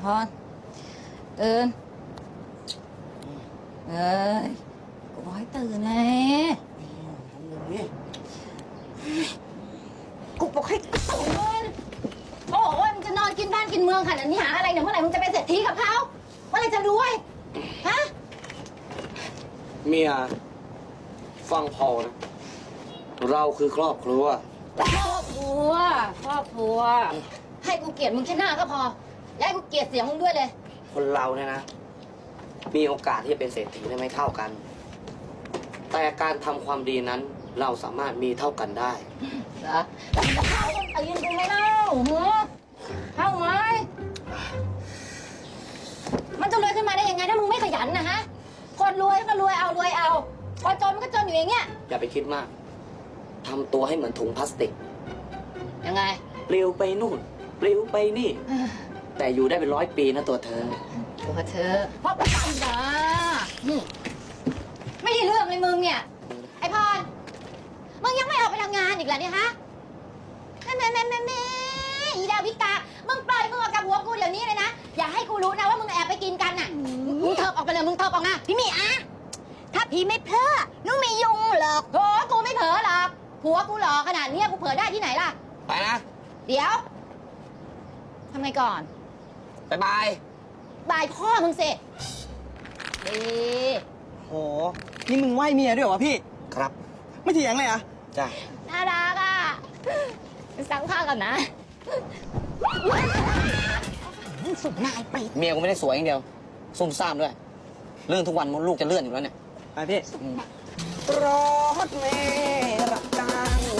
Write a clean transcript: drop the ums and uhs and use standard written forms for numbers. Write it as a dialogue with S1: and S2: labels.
S1: พรตื่นเอ้ยกูบอกให้ตื่นไงกูบอกให้ตื่นโอ้ยมึงจะนอนกินบ้านกินเมืองขนาดนี้หาอะไรเนี่ยเมื่อไหร่มึงจะเป็นเศรษฐีกับเขาเมื่อไหร่จะรวยฮะ
S2: เมียฟังพอนะเราคือครอบครัว
S1: ครอบครัวให้กูเกลียดมึงแค่หน้าก็พอและให้กูเกลียดเสียงมึงด้วยเลย
S2: คนเราเนี่ยนะมีโอกาสที่จะเป็นเศรษฐีได้ไม่เท่ากัน แต่การทำความดีนั้นเราสามารถมีเท่ากันได้
S1: เหรอแล้วมึงจะเข้าต้นตีนกูไหมเล่าหัวเข้าไหมมันจะรวยขึ้นมาได้ยังไงถ้ามึงไม่ขยันนะฮะคนรวยก็รวยเอาคนจนมันก็จนอยู่อย่างเงี้ย
S2: อย่าไปคิดมากทำตัวให้เหมือนถุงพลาสติก
S1: ยังไง
S2: ปลิวไปนู่นปลิวไปนี่ แต่อยู่ได้เป็น100 ปีนะตัวเธอ
S1: ตัวเธอเพราะปัญญาไม่ได้เรื่องเลยมึงเนี่ยไอพรมึงยังไม่ออกไปทำงานอีกเหรอเนี่ยฮะแม่อีดาวิกามึงปล่อยมือออกกับหัวกูเดี๋ยวนี้เลยนะอย่าให้กูรู้นะว่ามึงแอบไปกินกันน่ะมึงเถิบออกไปเลยมึงเถิบออกนะพี่มีอะถ้าพี่ไม่เพ้อนุ่งมียุงหรอกโอ้กูไม่เผลอหรอกผัวกูหล่อขนาดนี้กูเผลอได้ที่ไหนล่ะ
S2: ไปนะ
S1: เดี๋ยวทำไงก่อน
S2: บายบาย
S1: บายพ่อมึงสิดี
S3: โห นี่มึงไหวเมียด้วยเหรอวะพี่
S2: ครับ
S3: ไม่เถียงเลยเหรอ่ะ
S2: จ้า
S1: น่ารักอ่ะซักผ้าก่อนนะสุดนายไป
S2: เมียกูไม่ได้สวยอย่างเดียวซุ่มซ่ามด้วยเรื่องทุกวันมดลูกจะเลื่อนอยู่แล้วเนี่ย
S3: ไปพี่ รถเมล์รับจ้าง